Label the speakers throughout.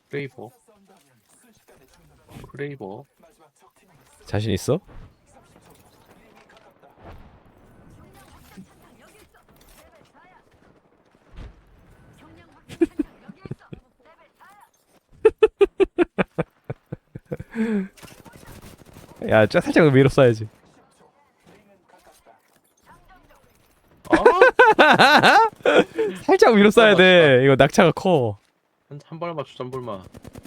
Speaker 1: 크레이버. 크레이버.
Speaker 2: 자신 있어? 야, 저 살짝 위로 쏴야지.
Speaker 1: 아,
Speaker 2: 살짝 위로 쏴야
Speaker 1: 맞추다.
Speaker 2: 돼. 이거 낙차가 커.
Speaker 1: 한 발만 맞추자, 한 발만.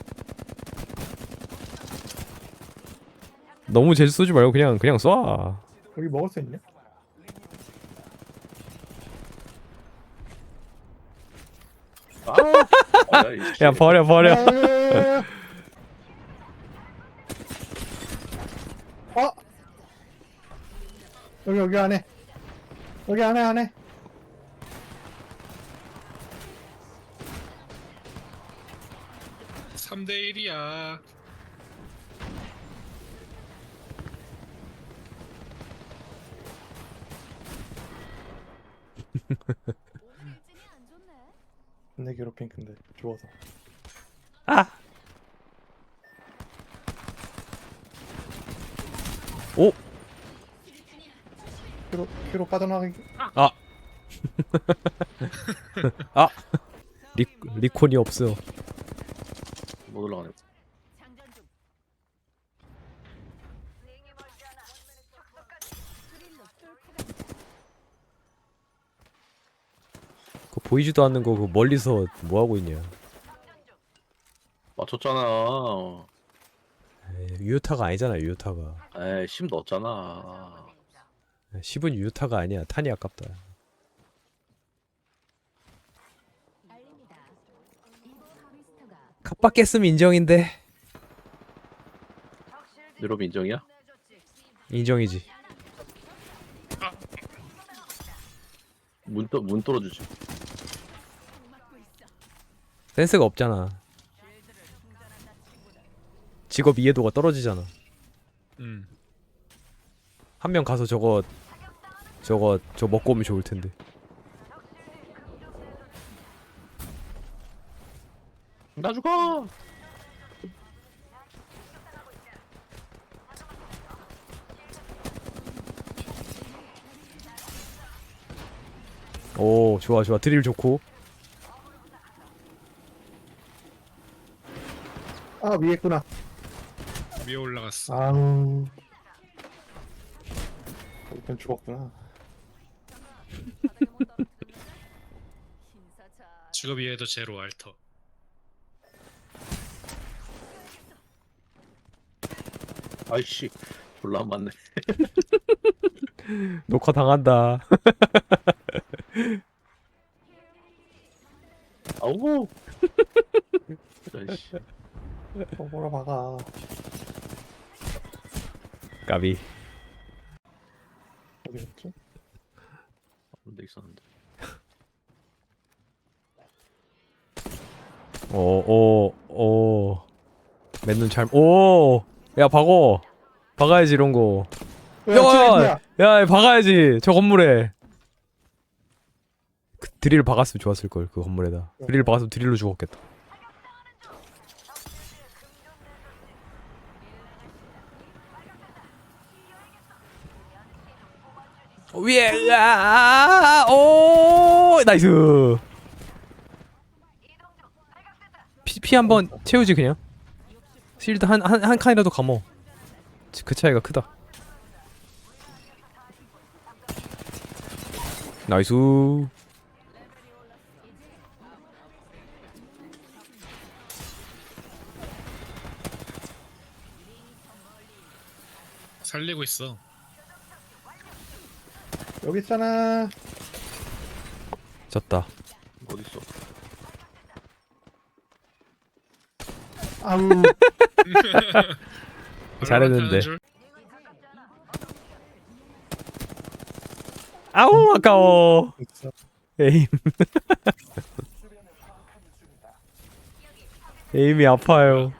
Speaker 2: 너무 재주 쏘지 말고 그냥 쏴.
Speaker 3: 여기 먹을 수 있냐?
Speaker 2: 야, 버려.
Speaker 3: 야, 어? 여기 안에. 여기 안에.
Speaker 4: 3대1이야.
Speaker 3: 내 괴롭힌 근데 좋아서.
Speaker 2: 아. 오.
Speaker 3: 큐로 빠져나가기.
Speaker 2: 아. 아. 리콘이 없어.
Speaker 1: 못 올라가네.
Speaker 2: 그 보이지도 않는 거 그 멀리서 뭐 하고 있냐?
Speaker 1: 맞췄잖아.
Speaker 2: 에이, 유효타가 아니잖아, 유효타가.
Speaker 1: 에이, 10 넣었잖아.
Speaker 2: 10은 유효타가 아니야. 탄이 아깝다. 갑바 깼으면 인정인데.
Speaker 1: 여러분 인정이야?
Speaker 2: 인정이지.
Speaker 1: 문 뚫어주지.
Speaker 2: 센스가 없잖아. 직업 이해도가 떨어지잖아. 한 명 가서 저거 먹고 오면 좋을 텐데.
Speaker 1: 나 죽어!
Speaker 2: 오, 좋아. 드릴 좋고.
Speaker 3: 아, 위에 있구나.
Speaker 4: 위에 올라갔어.
Speaker 3: 아우. 일단 죽었구나.
Speaker 4: 직업 이해도 제로 알터.
Speaker 1: 아이씨, 졸라 안 맞네.
Speaker 2: 녹화 당한다.
Speaker 1: 아우! 아이씨.
Speaker 3: 뭐라 박아.
Speaker 2: 까비.
Speaker 3: 어디 갔지?
Speaker 1: 근데 있었는데.
Speaker 2: 오. 맨눈 잘. 오. 야, 박아야지 이런 거.
Speaker 3: 야,
Speaker 2: 야, 박아야지. 저 건물에. 그 드릴 박았으면 좋았을 걸. 그 건물에다. 드릴 박았으면 드릴로 죽었겠다. 위에. 오, 나이스. 피 한번 채우지 그냥. 실드 한 칸이라도 감어. 그 차이가 크다. 나이스.
Speaker 4: 살리고 있어.
Speaker 3: 여기 있잖아.
Speaker 2: 졌다.
Speaker 1: 어딨어?
Speaker 3: 아우.
Speaker 2: 잘했는데.
Speaker 4: 올라가는 줄?
Speaker 2: 아우, 아까워.
Speaker 3: 있어.
Speaker 2: 에임. 에임이 아파요.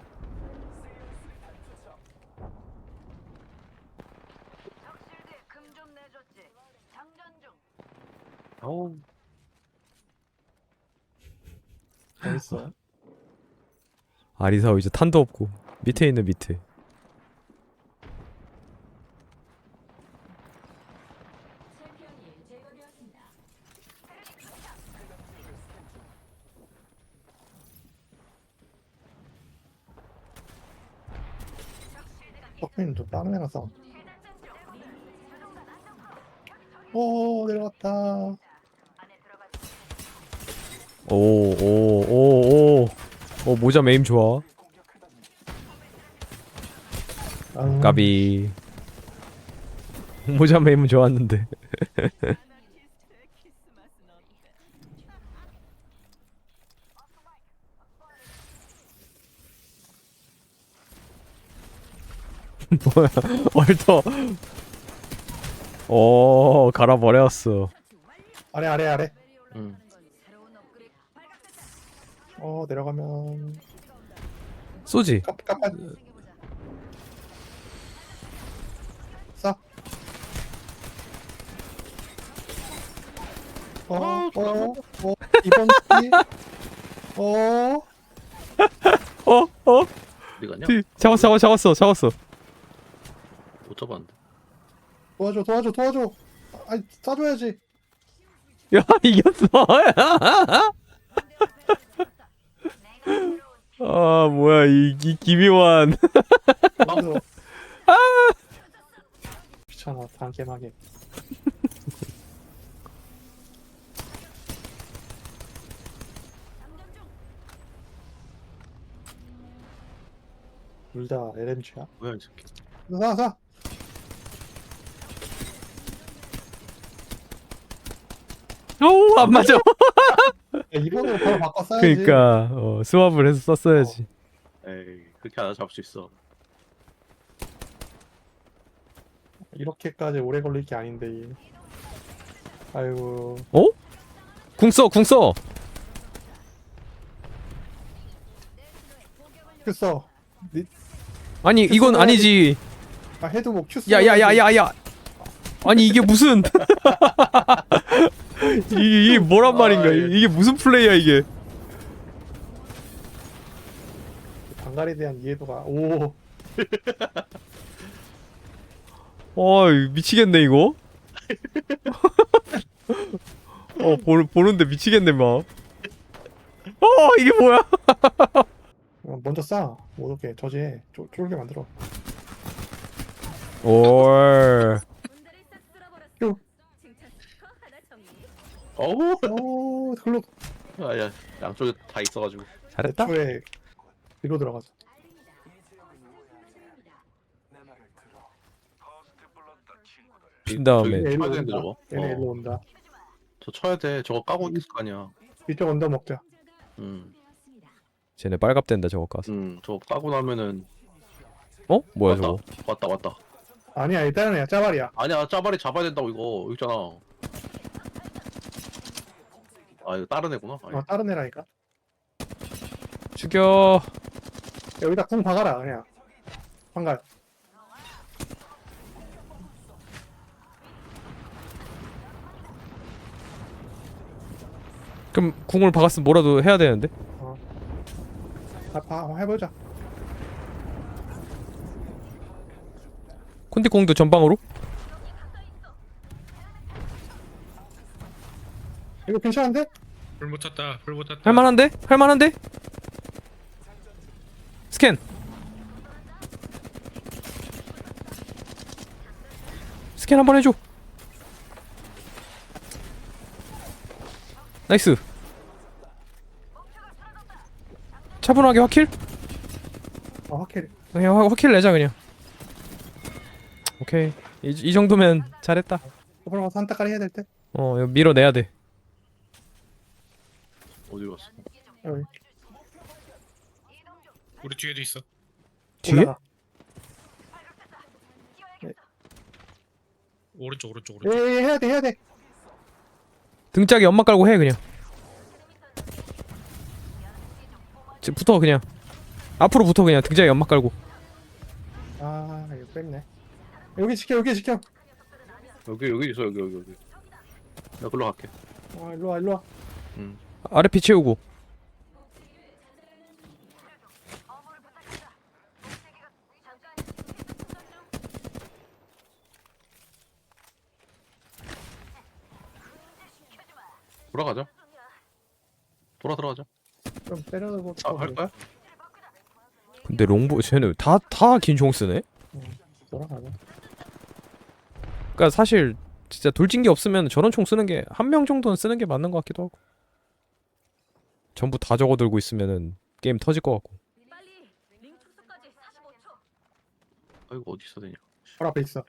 Speaker 1: 아우.
Speaker 3: 어딨어?
Speaker 2: 아리사오 이제 탄도 없고 밑에 있는 밑에.
Speaker 3: 석빈도 다른 애랑 싸워. 오 내려갔다.
Speaker 2: 오오오오 모자 메임 좋아. 까비. 모자 메임은 좋았는데. 뭐야 얼터. 오 갈아버렸어.
Speaker 3: 아래 아래 아래.
Speaker 1: 응.
Speaker 3: 내려가면
Speaker 2: 쏘지.
Speaker 3: 깜빡 싸. 이번 기
Speaker 1: 어디 갔냐?
Speaker 2: 잡았어.
Speaker 1: 못 잡았는데.
Speaker 3: 도와줘. 아니 싸줘야지.
Speaker 2: 야 이겼어. 아 뭐야 이 기묘한.
Speaker 3: 그래서 귀찮아 다음 게임 하게. 둘 다 LMG야?
Speaker 1: 뭐야 이 새끼.
Speaker 3: 사.
Speaker 2: 어우 안 맞아.
Speaker 3: 야, 이번으로 바로 바꿔 써야지.
Speaker 2: 그니까 스왑을 해서 썼어야지.
Speaker 1: 에이 그렇게 하나 잡을 수 있어.
Speaker 3: 이렇게까지 오래 걸릴 게 아닌데. 아이고.
Speaker 2: 어? 궁 써.
Speaker 3: 큐 써.
Speaker 2: 아니 이건 아니지.
Speaker 3: 해도 뭐 큐 써.
Speaker 2: 야야야야야. 아니 이게 무슨 이게 뭐란 말인가? 이게 무슨 플레이야 이게?
Speaker 3: 방갈에 대한 이해도가 오.
Speaker 2: 미치겠네 이거. 보는데 미치겠네 막. 이게 뭐야?
Speaker 3: 먼저 싸. 못 오게 저지해. 쫄게 만들어.
Speaker 2: 올.
Speaker 1: 어우.
Speaker 3: 글로
Speaker 1: 아야 양쪽에 다 있어가지고.
Speaker 2: 잘했다.
Speaker 3: 애초에 뒤로 들어가서.
Speaker 2: 준 다음에.
Speaker 1: 저기
Speaker 3: 얘네
Speaker 1: 쳐야
Speaker 3: 일로
Speaker 1: 되는데
Speaker 3: 온다.
Speaker 1: 저거.
Speaker 3: 얘네 일로 온다.
Speaker 1: 저 쳐야 돼. 저거 까고 있을 거 아니야.
Speaker 3: 이쪽 언더 먹자.
Speaker 2: 쟤네 빨갑된다 저거 가서.
Speaker 1: 저거 까고 나면은
Speaker 2: 뭐야
Speaker 1: 왔다.
Speaker 2: 저거?
Speaker 1: 왔다.
Speaker 3: 아니야 일단은 야 짜발이야.
Speaker 1: 아니야 짜발이 잡아야 된다고 이거 여기 있잖아. 아 이거 다른 애구나. 아니.
Speaker 3: 다른 애라니까.
Speaker 2: 죽여.
Speaker 3: 여기다 궁 박아라 그냥. 방갈.
Speaker 2: 그럼 궁을 박았으면 뭐라도 해야 되는데?
Speaker 3: 해보자.
Speaker 2: 콘디공도 전방으로?
Speaker 3: 이거 괜찮은데?
Speaker 4: 불 못 탔다.
Speaker 2: 할만한데? 스캔. 스캔 한번 해줘. 나이스. 차분하게 확킬?
Speaker 3: 확실히.
Speaker 2: 그냥 확킬 내자 그냥. 오케이. 이 정도면 잘했다.
Speaker 3: 앞으로 가서 한타까리 해야 될 때.
Speaker 2: 이거 밀어내야 돼.
Speaker 1: 어디로 갔어?
Speaker 3: 여기.
Speaker 4: 우리 뒤에도 있어.
Speaker 2: 뒤에?
Speaker 3: 올라가.
Speaker 4: 오른쪽.
Speaker 3: 해야 돼.
Speaker 2: 등짝에 연막 깔고 해 그냥. 붙어 그냥. 앞으로 붙어 그냥. 등짝에 연막 깔고.
Speaker 3: 이거 뺐네. 여기 지켜.
Speaker 1: 여기 있어 여기. 나 글로 갈게.
Speaker 3: 일로 와.
Speaker 2: 아래 피 채우고.
Speaker 1: 돌아가자. 들어가자.
Speaker 3: 좀 때려고
Speaker 1: 할 거야?
Speaker 2: 근데 롱보 쟤는 다 긴총 쓰네.
Speaker 3: 돌아가자.
Speaker 2: 그러니까 사실 진짜 돌진기 없으면 저런 총 쓰는 게 한 명 정도는 쓰는 게 맞는 것 같기도 하고. 전부 다 적어들고 있으면은 게임 터질 것 같고.
Speaker 1: 아 이거 어디 있어 되냐?
Speaker 3: 바로 앞에 있어.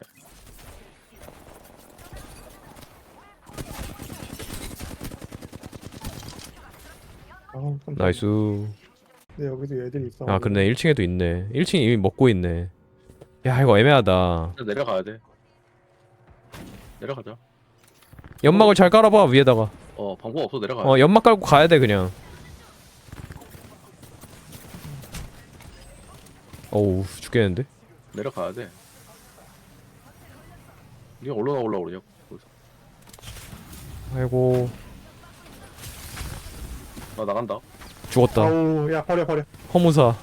Speaker 3: 아,
Speaker 2: 나이스.
Speaker 3: 근데 여기도 애들이 있어.
Speaker 2: 아 그러네 1층에도 있네. 1층에 이미 먹고 있네. 야 이거 애매하다.
Speaker 1: 내려가야 돼. 내려가자.
Speaker 2: 연막을 잘 깔아봐 위에다가.
Speaker 1: 방법 없어 내려가.
Speaker 2: 연막 깔고 가야 돼 그냥. 어우 죽겠는데?
Speaker 1: 내려가야 돼. 니가 올라가 그러냐? 거기서.
Speaker 2: 아이고
Speaker 1: 나 나간다.
Speaker 2: 죽었다.
Speaker 3: 아우, 야 버려.
Speaker 2: 허무사.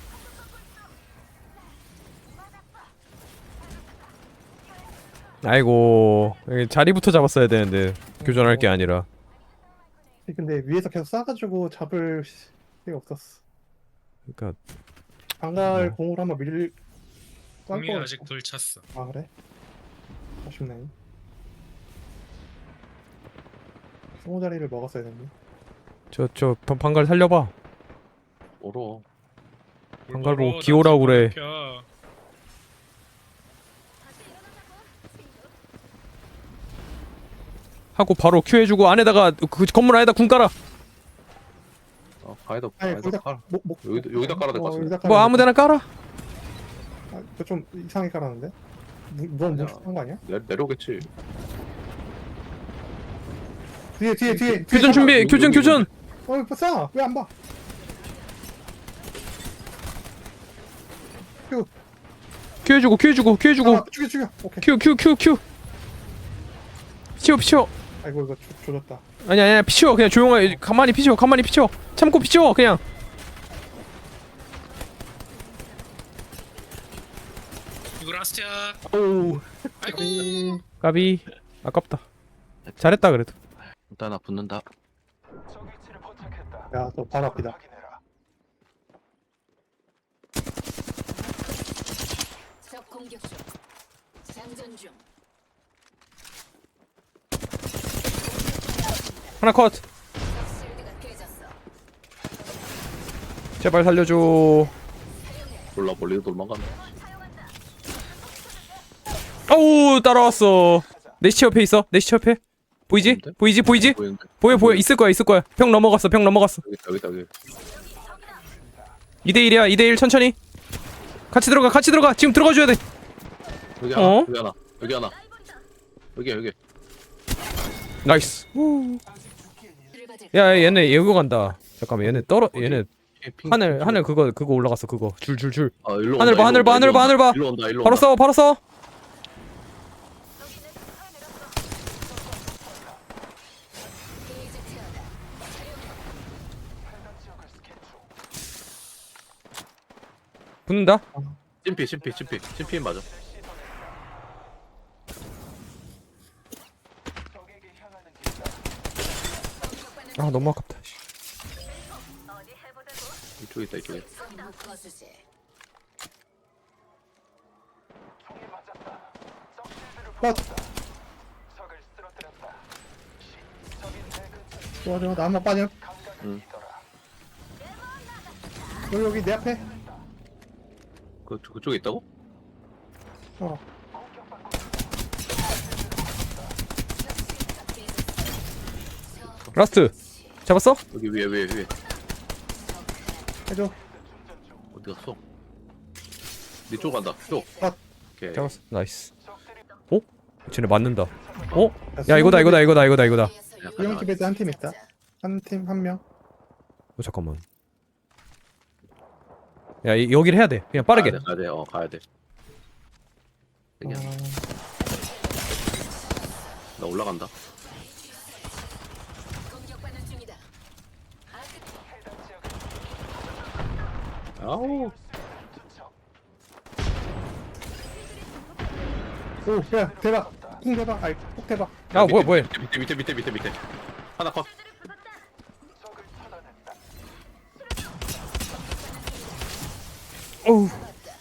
Speaker 2: 아이고 여기 자리부터 잡았어야 되는데 교전할 게 아니라.
Speaker 3: 근데 위에서 계속 쏴가지고 잡을 수가 없었어.
Speaker 2: 그러니까
Speaker 3: 방갈
Speaker 2: 뭐.
Speaker 3: 공으로 한번 밀.
Speaker 4: 공이 아직 돌 찼어.
Speaker 3: 아 그래? 아쉽네. 스무 자리를 먹었어야 됐네.
Speaker 2: 저 방갈 살려봐.
Speaker 1: 얼어.
Speaker 2: 방갈보 기호라고 그래. 하고 바로 큐 해주고 안에다가 그 건물 안에다 궁 깔아.
Speaker 1: 가에다
Speaker 3: 아니 거기다
Speaker 1: 깔아.
Speaker 3: 목
Speaker 1: 여기다 깔아야 될 것 같은데.
Speaker 3: 여기다
Speaker 2: 뭐
Speaker 3: 깔아야
Speaker 2: 아무데나 깔아.
Speaker 3: 좀 이상하게 깔았는데? 누가
Speaker 1: 아니야.
Speaker 3: 한 거 아니야?
Speaker 1: 내려오겠지.
Speaker 3: 뒤에
Speaker 2: 교전 준비. 교전.
Speaker 3: 싸! 왜 안 봐?
Speaker 2: 큐 해주고.
Speaker 3: 아, 죽여 오케이.
Speaker 2: 큐. 피치워.
Speaker 3: 아이고 이거 조졌다.
Speaker 2: 아니야 피치워. 그냥 조용하게 가만히 피치워. 참고 피치워 그냥.
Speaker 4: 이거 라스트야.
Speaker 1: 오우.
Speaker 4: 아이고.
Speaker 2: 까비. 아깝다. 잘했다 그래도.
Speaker 1: 일단 나 붙는다.
Speaker 3: 야 또 바로 앞이다.
Speaker 5: 적 공격 중. 장전 중.
Speaker 2: 하나 컷.
Speaker 5: 적 실드가 깨졌어.
Speaker 2: 제발 살려줘.
Speaker 1: 몰라 멀리도 도망간다.
Speaker 2: 아우 따라왔어. 내 시체 옆에 있어. 보이지?
Speaker 1: 보이는데? 보이는데?
Speaker 2: 보여. 있을 거야. 병 넘어갔어.
Speaker 1: 여기다.
Speaker 2: 2대1이야. 2대1 천천히. 같이 들어가. 지금 들어가줘야 돼.
Speaker 1: 여기
Speaker 2: 어?
Speaker 1: 하나. 여기.
Speaker 2: 나이스.
Speaker 5: 들어가자.
Speaker 2: 야 얘네 예고 간다. 잠깐만 얘네
Speaker 1: 핑,
Speaker 2: 하늘 그거 올라갔어. 그거 줄.
Speaker 1: 일로
Speaker 2: 하늘
Speaker 1: 온다,
Speaker 2: 봐. 하늘 봐.
Speaker 1: 일로 온다.
Speaker 2: 바로 써.
Speaker 5: 게이지 태어나.
Speaker 2: 붙는다.
Speaker 1: 찜피 맞아.
Speaker 2: 아 너무 아깝다.
Speaker 1: 이쪽에 있다.
Speaker 5: 선무 거수제.
Speaker 3: 좋아 나 한번 빠져.
Speaker 1: 응.
Speaker 3: 여기 내 앞에.
Speaker 1: 그쪽에 있다고?
Speaker 3: 어.
Speaker 2: 라스트. 잡았어?
Speaker 1: 여기 위에.
Speaker 3: 해줘.
Speaker 1: 어디 갔어? 니쪽 간다. 쪽.
Speaker 3: 아.
Speaker 1: 오케이.
Speaker 2: 잡았어. 나이스. 어? 쟤네 맞는다. 어? 야 이거다.
Speaker 3: 이형 집에도 한 팀 있다. 한 팀 한 명.
Speaker 2: 잠깐만. 야 여기를 해야 돼. 그냥 빠르게.
Speaker 1: 가야 돼. 가야 돼. 그냥 나 올라간다.
Speaker 5: 공격받는 중이다.
Speaker 1: 아우.
Speaker 3: 오, 야 대박. 쿵 대박. 아이, 폭 대박.
Speaker 2: 아 뭐야.
Speaker 1: 밑에. 하나 컷.
Speaker 2: 어우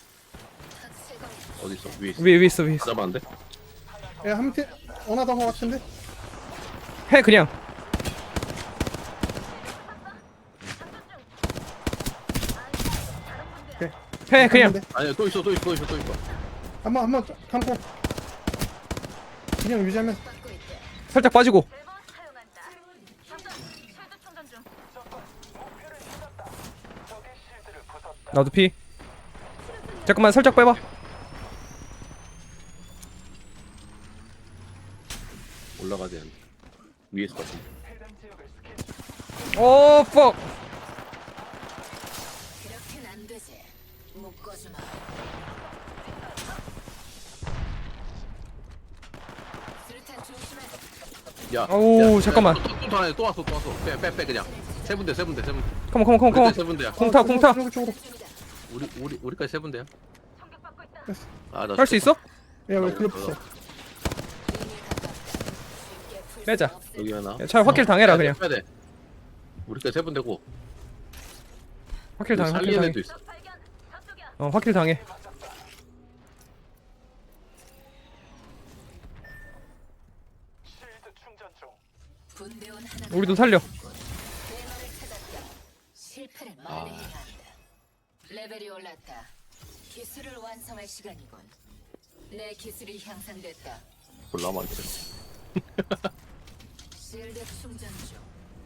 Speaker 1: 어디 있어? 위에 있어.
Speaker 2: 위에 있어 위에 있어.
Speaker 1: 잡았는데?
Speaker 3: 야한팀 원하던 거 같은데.
Speaker 2: 해 그냥. 해 그냥.
Speaker 1: 아니야 또 있어 또 있어 또 있어 또 있어.
Speaker 3: 한번 감고. 그냥 유지하면서.
Speaker 5: 받고 있대.
Speaker 2: 살짝 빠지고. 나도 피. 잠깐만 살짝 빼봐.
Speaker 1: 올라가야 되는데. 위에 있을 것 같은데.
Speaker 2: 오 퍽.
Speaker 5: 그렇게는 안 되지. 묶어주마. 수류탄 조심해.
Speaker 1: 야.
Speaker 2: 어우, 잠깐만.
Speaker 1: 또 하나 또 왔어 또 왔어. 빼 그냥. 세 군데.
Speaker 2: 컴온.
Speaker 1: 세 군데야.
Speaker 2: 공타.
Speaker 3: 쪽으로.
Speaker 1: 우리까지 세 군데야. 나
Speaker 2: 할 수 있어?
Speaker 3: 야왜 클럽 없어?
Speaker 2: 빼자.
Speaker 1: 여기 하나.
Speaker 2: 야, 차라리 확킬 당해라 그냥.
Speaker 1: 빼야 돼. 우리까지 세 군데고.
Speaker 2: 확킬 당해.
Speaker 1: 살리는 애도 있어.
Speaker 2: 확킬 당해.
Speaker 5: 분대원 하나.
Speaker 2: 우리도 살려.
Speaker 5: 대만을 찾았다. 실패를 만회해야 한다. 레벨이 올랐다. 기술을 완성할 시간이군. 내 기술이 향상됐다.
Speaker 1: 몰라 많지.
Speaker 5: 실드 충전 중.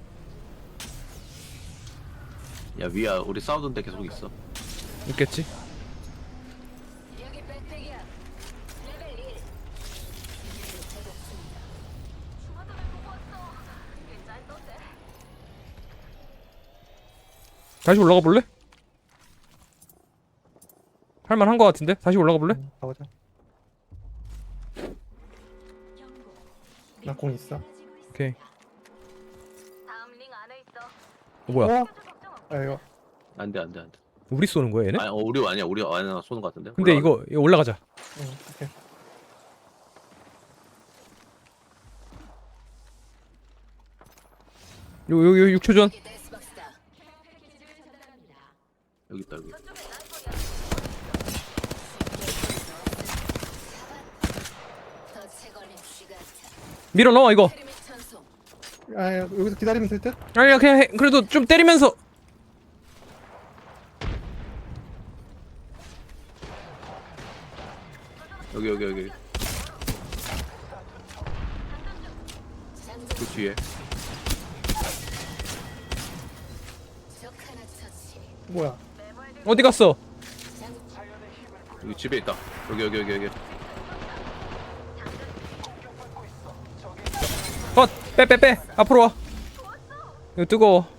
Speaker 1: 야 위야 우리 싸우던 데 계속 있어.
Speaker 2: 있겠지.
Speaker 5: 여기 백팩이야. 레벨 1. 제법 중이다.
Speaker 2: 다시 올라가 볼래? 할만한 거 같은데? 다시 올라가 볼래?
Speaker 3: 가보자. 나 공 있어.
Speaker 2: 오케이. 뭐야?
Speaker 3: 아 이거
Speaker 1: 안돼.
Speaker 2: 우리 쏘는 거야 얘네?
Speaker 1: 아니 우리 아니야 우리 아니야 쏘는 것 같은데.
Speaker 2: 근데
Speaker 1: 올라가.
Speaker 2: 이거 올라가자.
Speaker 3: 오케이.
Speaker 2: 요 6초 전.
Speaker 5: 이게 데스박스다.
Speaker 1: 여기 있다 여기.
Speaker 5: 더 채걸린 쥐 같아.
Speaker 2: 밀어 넣어 이거.
Speaker 5: 페르미 천송.
Speaker 3: 아 여기서 기다리면 될 듯?
Speaker 2: 아니야 그냥 해. 그래도 좀 때리면서.
Speaker 1: 여기.
Speaker 5: 장전
Speaker 1: 그 뒤에.
Speaker 5: 적 하나 처치.
Speaker 3: 뭐야?
Speaker 2: 어디 갔어?
Speaker 5: 장
Speaker 1: 여기 집에 있다. 여기.
Speaker 2: 빼. 앞으로 와. 이거 뜨거워.